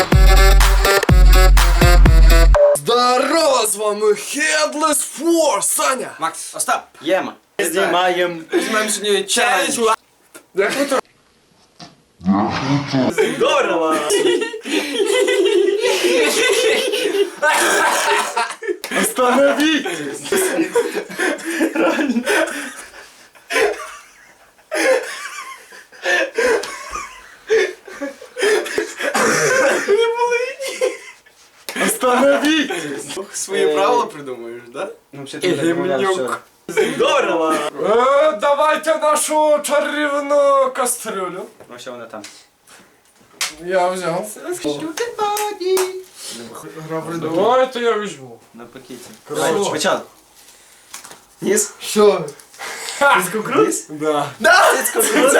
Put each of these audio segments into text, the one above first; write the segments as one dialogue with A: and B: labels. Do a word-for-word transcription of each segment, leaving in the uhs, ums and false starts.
A: Здорово, з вами Headless Four, Саня!
B: Макс, Остап, Єма. Знімаємо.
A: Візьмемо сьогодні челендж.
B: Здорово!
A: Остановитесь! Остановитесь!
B: Свої
A: правила придумаєш, да?
B: Ну, все ти домовлявся. Здорово!
A: Е, Давайте нашу чарівну кастрюлю.
B: Ну, що вона там?
A: Я взяв. Давайте я візьму.
B: На пакеті.
A: Красиво.
B: Давай, спочатку. Ніс?
A: Що?
B: Цицькокрут?
A: Ніс? Да.
B: Цицькокрут?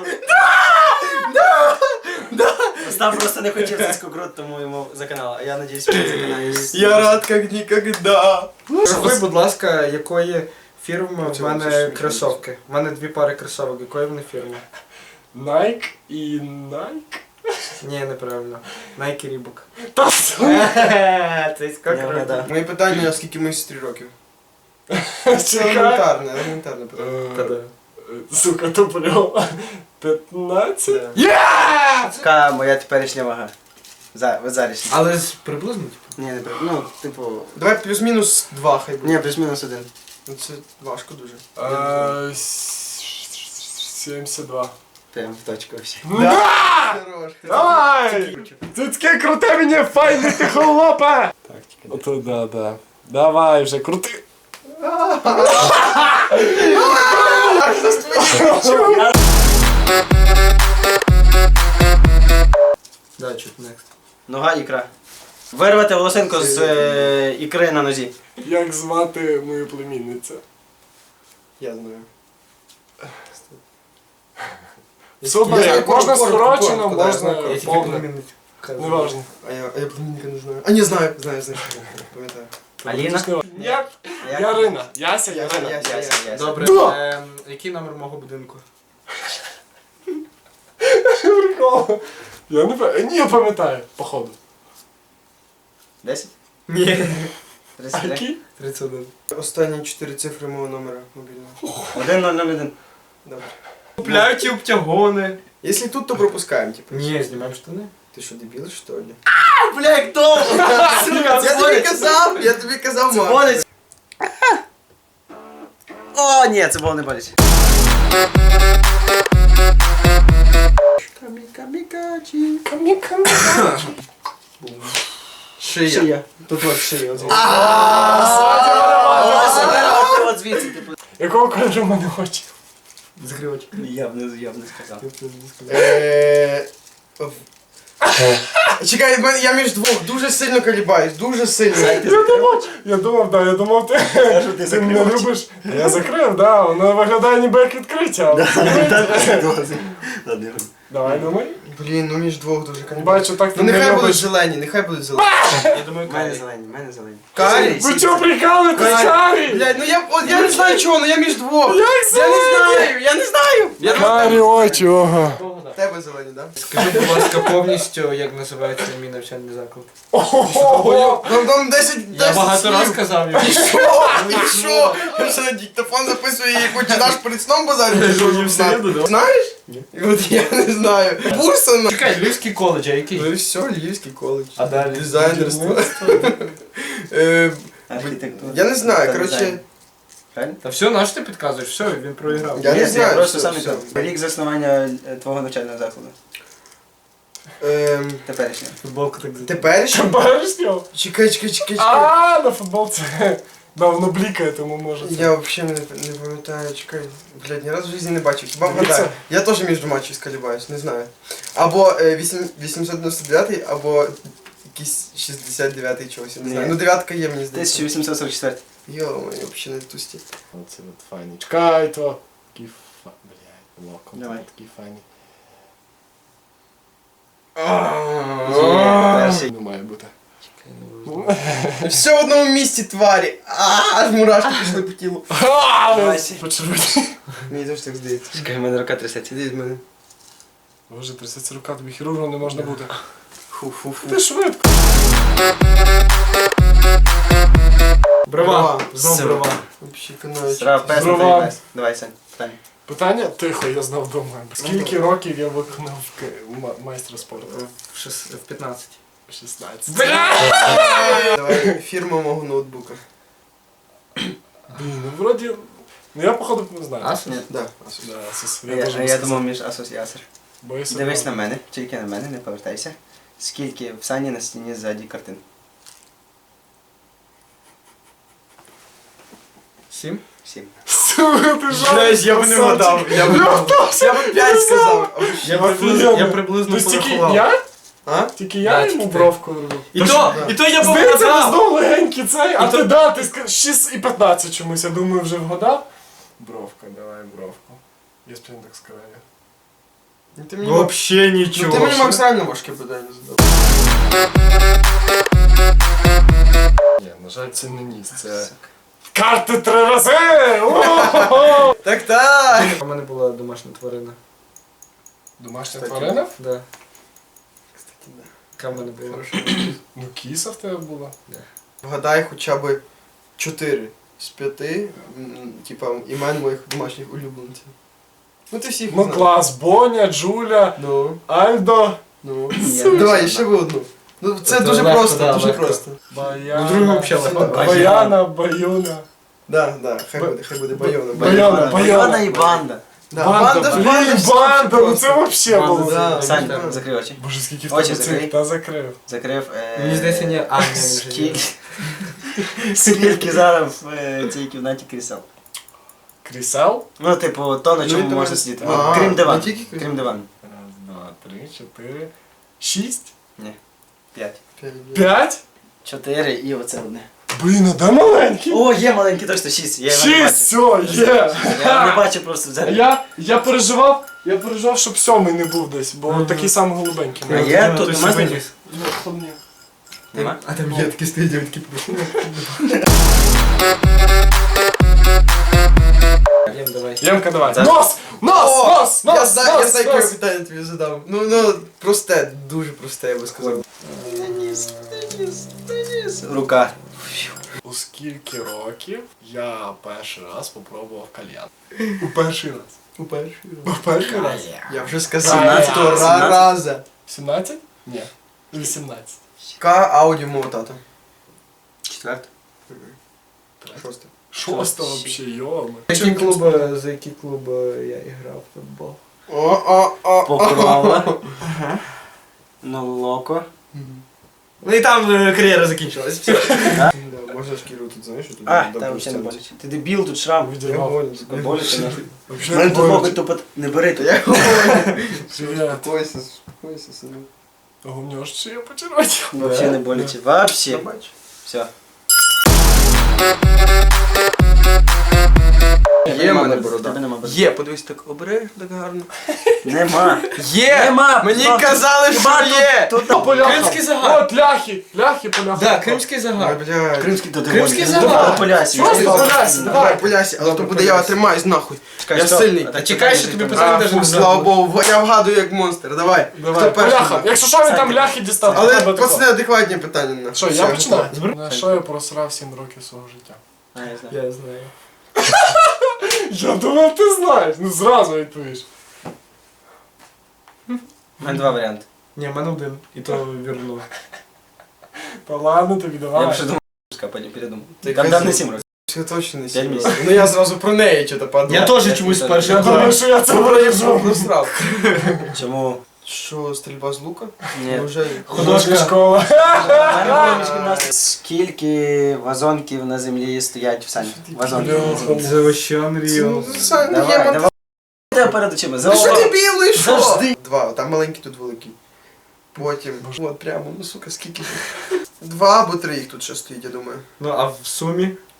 B: Остап просто не хотів цицькокрут, тому йому заканало. А я надіюсь, він заканає.
A: Я рад як ніколи.
C: Ви, будь ласка, якої фірми в мене кросовки? У мене дві пари кросовок, якої вони фірми?
A: Nike і Nike?
C: Ні, неправильно. Nike Reebok.
A: Та що?
C: Цицькокрут.
D: Моє питання, скільки ми сестрі років? Це
A: Чекай.
D: елементарне, елементарне питання.
A: Е, Сука, туплю. п'ятнадцять?
B: Яка моя теперішня вага? За, от зараз.
C: Але ж приблизно, типу.
B: Ні, не при... Ну, типу...
D: Давай плюс-мінус два хай буде.
B: Ні, плюс-мінус один.
D: Ну це важко дуже.
A: Е, с- сімдесят два.
B: Прям в точку вообще.
A: Да!
D: Хорош.
A: Давай! Ти таке круте мені, файне ти холопе! Так, ото да, да. Давай вже, крути!
C: Да, чуть next.
B: Нога, ікра. Вирвати волосинку з е, ікри на нозі.
A: Як звати мою племінницю?
D: Я знаю.
A: Супер,
D: Я
A: як можна
D: коротко,
A: скорочено,
D: коротко, да,
A: можна
D: я знаю,
C: Я тільки
A: повне.
C: племінницю.
A: Неважно.
D: А я, а я племінника не знаю. А не знаю, знаю, знаю. Пам'ятаю.
B: Аліна?
A: Ні,
B: Як?
A: Ярина. Яся,
D: Яся,
A: Ярина.
D: Яся.
B: Яся, Яся.
C: Добре,
A: Да!
C: ем, який номер мого будинку?
A: Прикол. Я не пам'ятаю. Ні, я пам'ятаю, походу.
B: Десять?
C: Ні.
B: Тридцять
A: А
B: три?
A: який?
C: тридцять один.
D: Останні чотири цифри мого номера мобільного.
B: Один ноль ноль один.
D: Добре.
C: Купляю ті обтягони.
D: Якщо тут, то пропускаємо, типу.
C: Ні, знімаємо штани.
D: Ти що, дебіл, що ли?
B: Бля, як довго! Сука,
D: Я тобі казав, я тобі казав, мам.
B: Болить. О, ні, це було не болить.
D: Камікачі. Шия.
B: Шия.
D: Тут от шия. от.
B: От звідси, типу.
A: Якого кольору в мене очі?
C: Закривач.
B: Я б не, я б не сказав.
D: Е, в- Чекай, в мене- я між двох дуже сильно колібаюсь, дуже сильно.
A: Я думав, я думав, да, я думав, ти,
B: ти
A: ти мене
B: закрив
A: любиш. Я закрив, да, воно виглядає ніби як відкриття. Давай, думай.
D: Блін, ну між двох дуже колібаюсь.
A: Бачу, так ти
D: Ну
A: не
D: нехай будуть
A: любиш.
D: зелені, нехай будуть зелені.
C: Я думаю,
B: У мене
C: Кай.
B: зелені, в мене зелені.
D: Карі?
A: Ви чого прикали, ти Карі?
D: Блядь, ну я, от, я не знаю чого, ну я між двох.
A: Як
D: Я не
A: зелені?
D: знаю, я не знаю. Я
A: Карі очі, ого.
D: В тебе зелені, да?
C: Скажи, будь ласка, повністю, як називається мій навчальний заклад.
A: Ого.
D: Там там десять,
C: Я
D: десять
C: багато раз
D: слів.
C: казав його.
D: І що? І що? Я що, на диктофон записую і починаєш перед сном базарити, що вже знати? Знаєш? Ні. От я не знаю. Бурса на...
C: Чекай, Львівський коледж, а
D: Ну
C: який?
D: і все, Львівський коледж.
C: А далі?
D: Дизайнерство. Е,
B: Архітектура.
D: Я не знаю,
B: Та
D: коротше,
B: дизайн. Правильно?
C: Та все, на що ти підказуєш? Все, він проіграв.
D: Я
B: Ні,
D: не
B: це
D: знаю,
B: просто
D: все,
B: сам
D: все.
B: не Рік заснування е, твого навчального закладу.
D: ем,
B: Теперішнього.
C: Футболка так за.
D: теперішній?
A: Баришньо?
D: Чекай, чекай, чекай, чекай.
A: А, на футболці. Да, воно блікає, тому може. це.
D: Я взагалі не, не пам'ятаю, чекай. Блядь, ні разу в житті не бачив. Хіба
A: Дивіться.
D: вгадаю. Я теж між двома чись колібаюсь, не знаю. Або е, вісім- вісімсот дев'яносто дев'ятий, або якийсь шістдесят дев'ятий чогось, я не знаю.
B: Ні.
D: Ну дев'ятка є, мені здається.
B: тисяча вісімсот сорок четвертий.
D: Йо, я взагалі не тусті.
A: Оце от файний. Чекай, то. Такий фа... Блядь, локон.
B: Давай.
A: Такий файний.
B: Перший.
A: Не має бути.
D: Все в одному місці, тварі. А, аж мурашки пішли по тілу.
B: Давай.
A: Почервоні.
D: Мені теж так здається.
B: Чекай, в мене рука трясеться.
D: Іди від мене.
A: Боже, трясеться рука, тобі хірургом не можна бути.
D: Фу-фу-фу.
A: Ти швидко.
C: Брова. Знов
B: Все.
C: брова.
D: Вообще канаючи.
B: Треба пес на
A: Здорова.
B: твій пес. Давай, Сань, питання.
A: Питання? Тихо, я знав дома. Скільки років я виконав к- ма- майстра спорту?
C: В шес- в п'ятнадцять.
A: шістнадцять.
D: Давай, фірма мого ноутбука.
A: Блін, ну вроді... Ну я походу не знаю.
C: Асус?
B: Ні.
D: Да.
A: Да, Асус.
B: Я,
A: Я, теж
B: а
A: не
B: я
A: сказав.
B: думав між Asus і Acer.
A: Боюся.
B: Дивись на
A: не-
B: мене, тільки на мене, не повертайся. Скільки в Сані на стіні ззаді картин?
C: Сім?
B: Сім.
A: Сука, ти жах.
D: Знаєш, я б не вгадав. Я б я б п'ять сказав.
C: Я
A: Офігенно.
C: приблизно, я приблизно
A: Тобто тільки
C: порахував.
A: я?
D: А?
A: Тільки я
C: Да,
A: йому
C: тільки ти.
A: бровку робив.
C: І то, і то я б
A: Здається, ти
C: вгадав.
A: знов легенький цей, а
C: І
A: ти
C: то-
A: да, ти сказав шість і п'ятнадцять чомусь, я думаю, вже вгадав. Бровка, давай бровку. Я спільно так скажу.
D: Ну, Ти мені, Мак-
C: Вообще
D: ну,
C: нічого.
D: ти мені максимально важке питання задав.
A: Ні, на жаль, це не ніс, це... Карти три рази! О-хо-хо!
D: Так так!
C: У мене була домашня тварина.
A: Домашня
D: Кстати,
A: тварина?
C: Да.
D: Кстати, да.
C: Яка в мене була?
D: Хорошо.
A: Ну, кіса в тебе була.
D: Вгадай хоча б чотири з п'яти, м, типа, імен моїх домашніх улюбленців. Ну ти всіх
A: Ну
D: знаєш.
A: клас, Боня, Джуля,
D: Ну,
A: Альдо,
D: ну.
B: Ні,
D: Давай, ще ви одну. Ну це
C: Це
D: дуже
C: легко,
D: просто,
C: да,
D: дуже
C: легко.
D: просто.
A: Баяна,
C: Ну, другу взагалі легко.
A: Баяна, Баюна.
D: Да, да, хай
A: Ба-
D: буде, хай буде Байона.
A: Баяна, Баяна.
B: Баяна і банда.
D: Да,
A: Банда,
D: банда ж
A: блін,
D: банда, ж
A: банда,
D: просто.
A: ну це вообще
C: Банда,
A: було.
D: да.
B: Сань,
D: так.
B: закрий очі.
A: Боже, скільки в
B: Очі
A: тебе
B: закрий.
A: цих, та закрив.
B: Закрив. е,
C: Мені здається, ні, Аня не вже є.
B: Скільки... Скільки зараз в е, цій кімнаті крісел?
A: Крісел?
B: Ну, типу, то, на
D: Ну,
B: чому
D: і давай.
B: можна сидіти.
D: А,
B: Ну, крім
D: не
B: диван.
D: тільки крісел.
B: Крім диван.
A: Раз, два, три, чотири, шість,
B: П'ять.
A: п'ять?
B: Чотири і оце одне.
A: Блін, а де маленький?
B: О, є маленький, точно шість. Я його не
A: Шість,
B: бачив.
A: все, є.
B: Я не бачу просто взагалі.
A: Я, я переживав, я переживав, щоб сьомий не був десь, бо
C: Мгм.
A: такий самий голубенький.
B: А є?
C: Ну,
B: Тут
C: той
B: нема
C: собі
B: знизу?
C: ніс.
A: Ну, хлопні.
B: Нема?
D: А там є такі стоять, я такі прошу.
C: Єм, давай.
A: Ємка, давай.
B: Так.
A: Нос! Нос!
D: О,
A: Нос! Нос!
D: Я знаю, я
A: нос,
D: знаю,
A: нос.
D: яке питання тобі задав. Ну, ну, просте, дуже просте, я би сказав.
B: Ніс, ніс, ніс. Рука.
A: У скільки років я перший раз попробував кальян? У перший раз.
D: У перший
A: У
D: раз.
A: перший раз.
D: Я вже сказав,
A: Сімнадцять?
D: сто
B: Сімнадцять?
D: раза.
A: сімнадцять? Ні. вісімнадцять.
D: Яка аудіо мого тата?
B: Четверта.
D: Шосте.
A: Шосте вообще, йоми.
C: За які клуби, за які клуби я грав в футбол?
D: О, о, о,
B: Покрова. Ну, локо.
C: Ну і там е, кар'єра закінчилась. Все.
D: Да, можна шкіру тут, знаєш, тут
B: А,
D: добре
B: там взагалі не
D: стягнути.
B: боляче. Ти дебіл, тут шрам.
D: Я
A: Відірвав.
D: голий,
B: Сука, боляче нахуй.
A: Вообще
B: Мене
A: не
B: тут локо
A: боляче.
B: тупо не бери тут.
D: Я голий.
A: Привіт.
D: Спокойся, спокойся, сину.
A: Ого, в нього ж шия почервотіла.
B: Вообще не боляче. Вообще.
D: Я бачу.
B: Все.
D: Є в мене борода.
B: Тебе нема бороди.
D: Є, подивись, так обережно, так гарно.
B: Нема.
D: Є!
B: Нема!
D: Мені
B: Ну,
D: казали, що
B: хіба
D: є!
B: Тут
A: По поляхам.
C: Кримський загар.
A: От ляхи, ляхи поляхам.
C: Да, кримський
D: Ой,
C: загар.
D: блядь.
B: Кримський то ти
C: Кримський
B: можеш.
C: загар.
B: Давай, Полясі.
A: Що
B: Давай,
A: за Полясі?
B: давай.
A: Давай.
D: Полясі, але
C: Добре,
D: то буде, я
C: Полясі.
D: тримаюсь нахуй.
B: Чекай,
D: Я
B: стоп.
D: сильний.
B: А
C: Та
B: так
C: чекай,
B: чекай,
C: що тобі
B: там-
C: питання
D: А,
C: даже
D: фу,
C: не
D: слава
C: задали.
D: Богу, я вгадую як монстр, давай.
A: Давай,
D: Хто перший?
A: поляхам. Якщо що, він там ляхи дістав.
D: Але
A: тебе тако.
D: пацани, адекватні питання на.
A: Що,
D: Все,
A: я починаю?
D: готов.
A: На що я просрав сім років свого життя?
B: А, я знаю.
C: Я знаю.
A: Я думав, ти знаєш. Ну зразу відповіш.
B: У мене два варіанти.
C: Ні, в мене один. І то вірно.
A: Та ладно, тобі
B: Я
A: давай.
B: б ще думав, а потім передумав.
D: Ти
B: Там
D: казав.
B: дав не сім років.
D: Все точно не
B: П'ять
D: сім
B: місяців.
D: років. Ну я зразу про неї що-то подумав.
C: Я теж чомусь
B: Я
C: перший
A: Я думаю,
C: раз.
A: що я це
D: Це
A: виріжу.
D: просрав.
B: Чому?
D: Що, стрільба з лука?
B: Ні.
D: Вже...
A: Художня школа.
B: У мене було міжгімнастика. Скільки вазонків на землі стоять в сані? Вазонків на землі.
C: За вообще Unreal.
D: Ну, Сань, ну, є
B: Давай,
D: монтаж.
B: давай. Тебе перед очима.
D: Ну що ти білий, що?
B: Завжди.
D: Два, там маленький, тут великий. Потім, от прямо, ну сука, скільки тут? Два або три їх тут ще стоїть, я думаю.
C: Ну, а в сумі?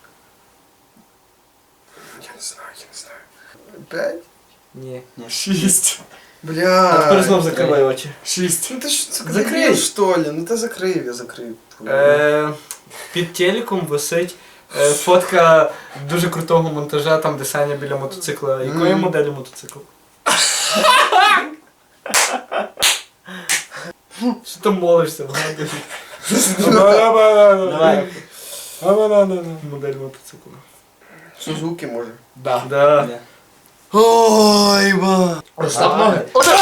D: Я не знаю, я не знаю. П'ять?
C: Ні.
A: Шість.
D: Бля.
C: А тепер знов закривай очі.
A: Шість.
D: Ну ти ж, сука,
C: Закрий.
D: закрив, що ли? Ну ти закрив, я закрив.
C: Е, Під телеком висить е, фотка дуже крутого монтажа, там де Саня біля мотоцикла. Якої
D: Мгм.
C: моделі мотоцикл? Що ти молишся, вгадуєш?
B: Давай.
C: Модель мотоцикла.
D: Сузуки може.
A: Да.
C: Да.
B: Да.
D: Ой, ба.
A: Розслаб ноги.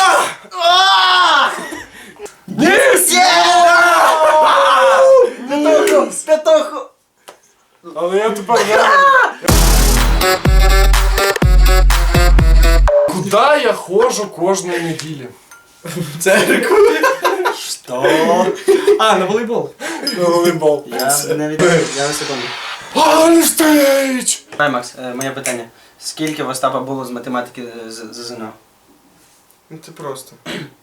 B: Петуху! Петуху!
A: Але я тепер не... Куда я ходжу кожної неділі?
D: Церкву.
B: Що?
C: А, на волейбол.
A: На волейбол.
B: Я не відповів, я на секунду.
A: Альстейдж!
B: Давай, Макс, е, моє питання. Скільки в Остапа було з математики е, з з ЗНО?
D: Ну це просто.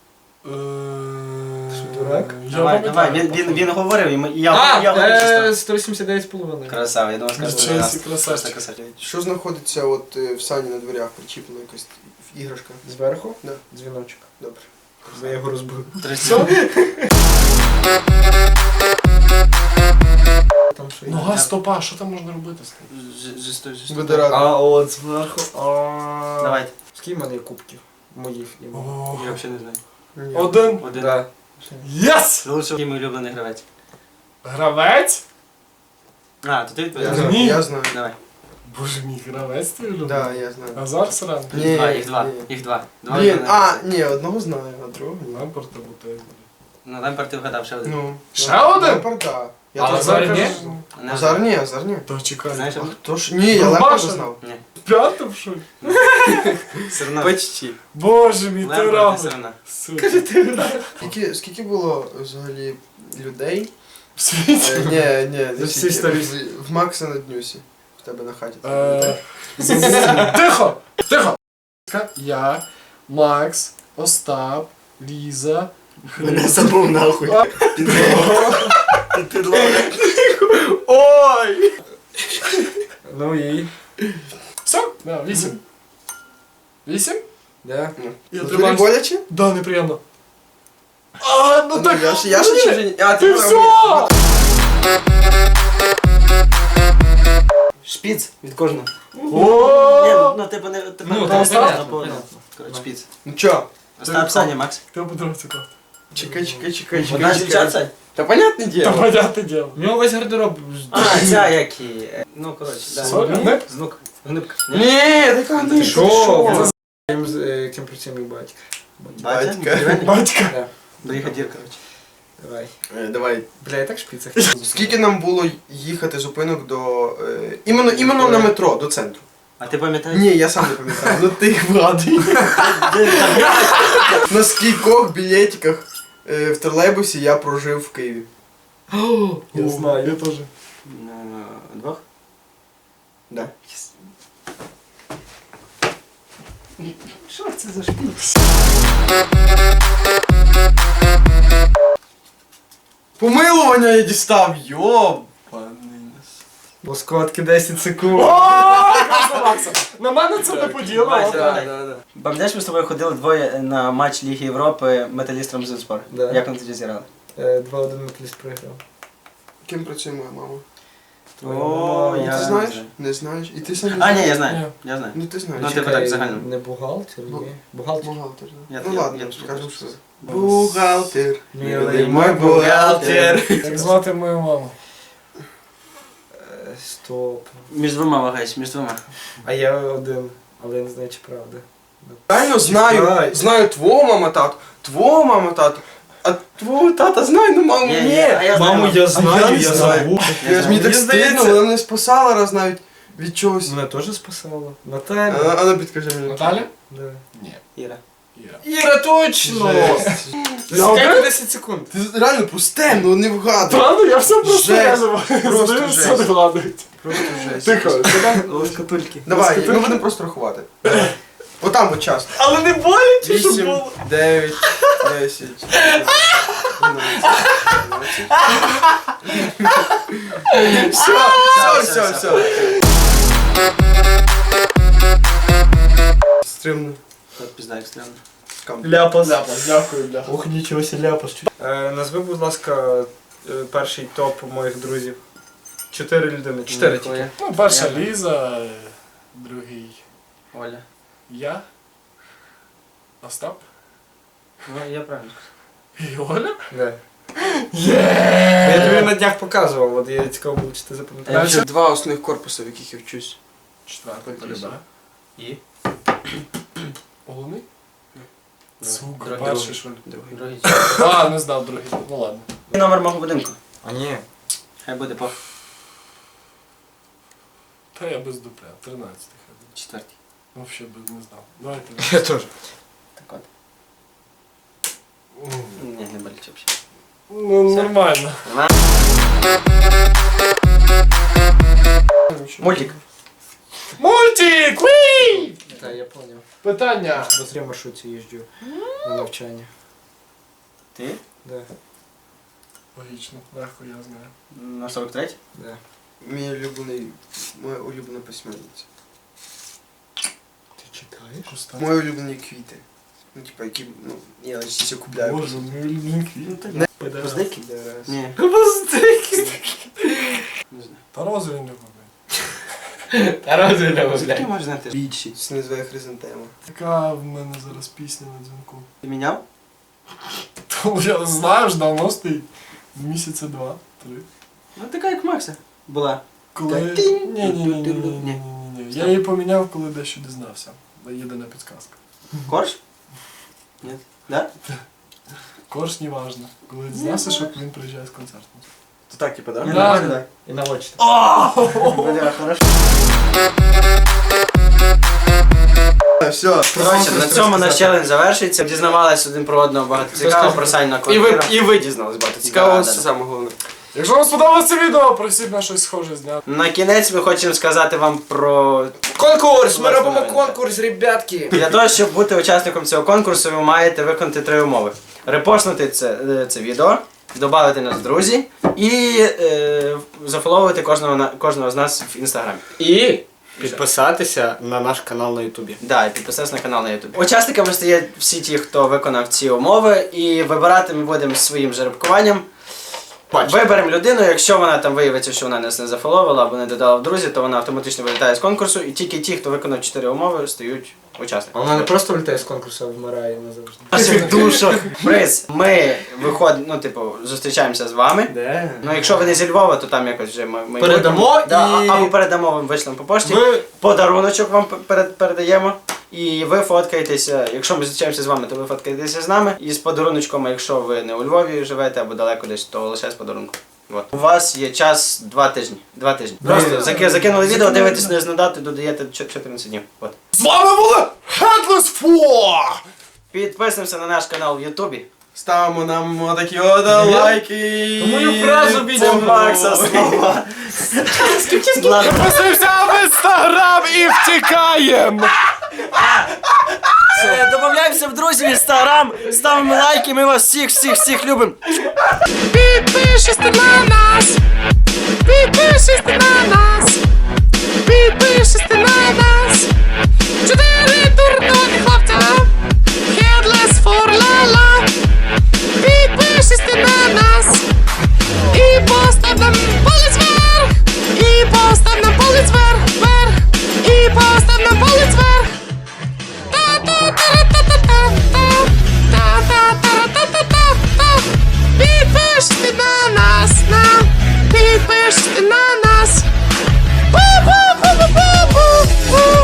C: дурак?
B: Давай, давай, він, він, він говорив, і ми- і я,
C: А,
B: я говорив, що
C: е, сто вісімдесят дев'ять з половиною.
B: красава, я думав, скажу
A: Нічого
B: раз.
A: собі, красавчик.
B: Просто красавчик.
D: Що знаходиться от е, в сані на дверях причіплено якась іграшка?
C: Зверху?
D: Да.
C: Дзвіночок.
D: Добре.
C: Бо я його розбив.
B: Тридцять.
C: Там що є?
A: Нога стопа, що там можна робити з тим?
B: Ж- жесто- жесто.
D: Буде радий.
C: А, от зверху. А.
B: Давайте.
C: Скільки в мене є кубків? Моїх нема.
A: О,
B: Я взагалі не знаю.
D: Ні.
A: Один.
B: Один.
C: Да.
A: Єс!
B: Лучше який мій улюблений гравець.
A: Гравець?
B: А, то ти
D: Я
B: відповідаєш?
D: знаю.
A: Ні.
D: Я знаю.
B: Давай.
A: Боже мій, гравець твій любить?
D: Да, я знаю.
A: Азар Саран?
D: Ні,
B: Їх два, їх два,
D: ні.
B: їх два. Два
D: Блін,
B: улюблених
D: а,
B: гравця.
D: ні, одного знаю, а другого ні.
A: Лампорт або Тейбл.
B: Ну, Лемпард ти вгадав ще один.
D: Ну.
A: Ще один?
D: Лемпард, да. Я
A: А
D: теж
A: Азар
D: знаю.
A: ні?
B: Не
D: Азар ні, Азар ні.
A: То чекай.
B: Знаєш,
D: А хто ж? Ні, я
A: Ну,
D: Лемпарда
A: Маша.
D: знав.
B: Ні.
A: П'ятим що? ли?
B: Все одно.
D: Почти.
A: Боже мій, ти
B: Лемпард ти
A: равний.
B: все одно.
A: Супер.
D: Скільки, скільки було взагалі людей?
A: В світі?
D: Е, ні, ні,
C: За
D: не
C: всі
D: скільки.
C: сторіс.
D: В- В Макса на Днюсі. В тебе на хаті.
A: Е, Тихо! Тихо! Я, Макс, Остап, Ліза,
B: Мене забув нахуй.
D: Ой!
C: Ну і.
A: Все? Да, вісім. Вісім?
C: Да.
A: Я
D: Ну, тобі
A: тримаюсь.
D: боляче?
A: Да, неприємно. А, ну
D: Ну,
A: так.
D: я ж, я ж
A: ні.
D: чи вже ні? А,
A: Ти
D: ти
A: все!
B: Шпіц від кожного. Ні,
A: О!
B: ну типу не... Типу,
C: Ну,
B: не
C: там
B: Остап,
C: понятно,
B: а по-
C: понятно.
B: Коротше, шпіц.
D: Ну чо?
B: Остап, Саня, Макс.
A: Хто подивився кого?
D: Чекай, чекай, чекай,
B: Одна
D: чекай.
B: дівчат, Сань?
D: Та понятне
A: Та
D: діло.
A: понятне діло.
C: У нього весь гардероб.
B: А, ця як і... е, Ну, коротше, да.
A: Сорі, не?
B: Знук. Гнибка.
D: Ні, така
B: Ти
D: не
C: Що?
D: що?
C: Ким з- е, Ким працює мій батько.
B: Батя?
D: Батька.
B: Дерев'яний?
A: Батька.
C: Да.
B: Бригадір, коротше.
C: Давай.
D: Е, Давай.
C: Бля, я так шпіцах.
D: Скільки нам було їхати зупинок до... е, Іменно, іменно на метро, до центру?
B: А ти пам'ятаєш?
D: Ні, я сам не пам'ятаю. Ну ти вгадуй. На скількох білетиках е, в тролейбусі я прожив в Києві?
C: Я знаю.
A: Я теж.
B: На двох?
D: Да.
B: Що це за шпіц?
D: Помилування я дістав, йобаний.
C: Лоскотки десять секунд.
A: На мене це не поділо.
B: Бачиш,
A: отак.
B: да, да, да. Пам'ятаєш, ми з тобою ходили двоє на матч Ліги Європи Металіст Рамзенспор?
C: Да.
B: Як вони тоді зіграли?
C: Е, два один металіст програв.
D: Ким працює моя мама?
B: О,
C: Ну,
B: я
D: Ти
B: не
D: знаєш?
B: знаю.
D: Не знаєш? І ти сам не
B: А,
D: знаєш?
B: ні, я знаю.
A: Ні.
B: Я знаю.
D: Ну ти знаєш.
B: Ну, типу так, загально.
C: Не бухгалтер,
D: Бу-
C: ні. Бухгалтер.
D: Бухгалтер, да.
B: Я-
D: Ну
B: я-
D: ладно,
B: я-
D: скажемо,
B: я-
D: що.
B: я-
D: Бухгалтер.
C: Милий
D: мой бухгалтер.
A: Як звати мою маму?
C: Е, Стоп.
B: Між двома вагаюсь, між двома.
C: А я один, але я не знаю, чи правда.
D: Реально знаю,
C: Чекай.
D: знаю твого мама, тату, твого мама, тату, а твого тата знаю, ну маму
B: Ні,
D: ні.
B: ні, а я знаю.
C: Маму я знаю,
D: я не
C: я
D: знаю.
C: забув.
B: Я
D: Я ж мені
B: знаю.
D: так
C: Мені
D: стидно,
C: здається-
D: вона мене спасала раз навіть від чогось.
C: Мене теж спасала.
D: А,
C: Наталя.
D: а ну підкажи мені.
A: Наталя?
C: Да.
A: Ні.
B: Іра.
A: Іра.
C: Іра, точно!
D: Жесть.
C: Скільки десять секунд?
D: Ти реально пусте, ну не вгадуй.
A: Правда, я все просто
D: Жесть.
A: реально
D: Просто
A: здаю, все
D: жесть.
A: догадують.
D: Просто жесть.
A: Тихо,
C: Лоскотульки.
D: Давай, ми будемо просто рахувати. Отам от час.
C: Але не боляче, щоб
D: Вісім,
C: було.
D: дев'ять, десять, Все, все, все, все. Стримно.
B: От пізда, як стрімно.
C: Ляпас.
A: Дякую, бля.
C: Ох, нічого себе ляпас. Е, назви, будь ласка, е, перший топ моїх друзів. Чотири людини. Чотири тільки.
B: Твоя.
A: Ну, перша
B: Я.
A: Ліза, е, другий
B: Оля.
A: я, Остап,
B: Ну, я правильно
A: І Оля?
C: Да.
A: Є!
C: Я тобі на днях показував, от я цікаво було, чи ти запам'ятаєш.
D: Це два основних корпуси, в яких я вчусь.
A: Четвертий полюбе.
B: І?
A: Головний? Сука,
B: Другий.
A: перший що ли?
D: Другий.
B: Другий.
A: А, не знав другий. Ну ладно.
B: Номер мого будинку.
C: А ні.
B: Хай буде по
A: Та я без дупля. тринадцятий ходив.
B: четвертій.
A: Вообще би не знав. Давайте.
C: Я теж.
B: Так от.
A: М.
B: Ні, не болить взагалі.
A: Ну, нормально.
B: Мультик.
A: Мультик! Уі!
C: Так, я поняв.
A: Питання.
C: Бо в маршрутці їжджу на навчання.
B: Ти?
C: Да.
A: Логічно, легко я знаю.
B: На сорок третій?
C: Да.
D: Мій улюблений, моя улюблена письменниця.
C: Ти читаєш?
A: Пуста.
D: Мої улюблені квіти. Ну, типа, які, ну, я лише купляю.
A: Боже, мій улюблений квіт.
B: Поздеки?
D: Раз.
B: Ні.
C: Поздеки.
B: Не знаю.
A: Та розу він любить.
C: Та разве не
B: Звідки можеш знати?
D: Більші. Це називає хризантема.
A: Така в мене зараз пісня на дзвінку.
B: Ти міняв?
A: Тому я знаю, ж давно стоїть. Місяця два, три.
B: Ну така як Макса. Була.
A: Коли...
B: Так, тинь,
A: Ні, ні, ні, ні, ні, ні,
B: ні.
A: ні, ні, ні. Я її поміняв, коли дещо дізнався. Єдина підказка.
B: Корж? Ні. Да?
A: Корж не важно. Коли дізнався, що він приїжджає з концертом.
D: То так, типа, да?
B: Ні,
A: Да.
B: нормально, да.
C: І на очі.
B: Бля, хорошо.
D: Все.
B: Коротше, на цьому наш челендж завершується. Дізнавались один про одного багато цікавого, про Саню на
D: І ви,
B: квартиру.
D: і ви дізнались багато. Цікаво,
B: Да,
D: це
B: да, да.
D: саме головне.
A: Якщо вам сподобалося це відео, просіть на щось схоже зняти.
B: На кінець ми хочемо сказати вам про...
D: Конкурс! Ми
B: Власне,
D: робимо
B: навіть,
D: конкурс, ребятки!
B: Для того, щоб бути учасником цього конкурсу, ви маєте виконати три умови. Репостнути це, е, це відео, додати нас в друзі і е, зафоловувати кожного, на- кожного з нас в інстаграмі.
C: І підписатися на наш канал на Ютубі.
B: Да, і підписатися на канал на YouTube. Учасниками стають всі ті, хто виконав ці умови, і вибирати ми будемо своїм жеребкуванням.
C: Бачите.
B: Виберемо людину, якщо вона там виявиться, що вона нас не зафоловила або не додала в друзі, то вона автоматично вилітає з конкурсу, і тільки ті, хто виконав чотири умови, стають
C: А
B: учасниками.
C: вона не просто влітає з конкурсу, а вмирає назавжди.
B: В наших душах. Приз, ми виходимо, ну, типу, зустрічаємося з вами.
C: Де?
B: Ну, якщо ви не зі Львова, то там якось вже ми, ми
C: Передамо
B: да,
C: і-
B: або передамо вам вишлемо по пошті.
C: Ви
B: Подаруночок вам перед, передаємо. І ви фоткаєтеся, якщо ми зустрічаємося з вами, то ви фоткаєтеся з нами. І з подаруночком, а якщо ви не у Львові живете або далеко десь, то лише з подарунком. От. У вас є час два тижні. Два тижні. Просто заки- закинули відео, дивитесь на дату, додаєте чо- чотирнадцять днів. От.
A: З вами були Headless Four!
B: Підписуємося на наш канал в Ютубі.
D: Ставимо нам отакі от лайки.
C: Мою фразу
B: Це
C: бідемо.
B: Макса слова. Ладно.
A: Підписуємося в інстаграм і втікаємо!
B: Все, Добавляємося в друзі в інстаграм, ставимо лайки, ми вас всіх, всіх, всіх любимо.
E: Підпишись ти на нас, підпишись ти на нас, підпишись ти на нас. Чотири дурноти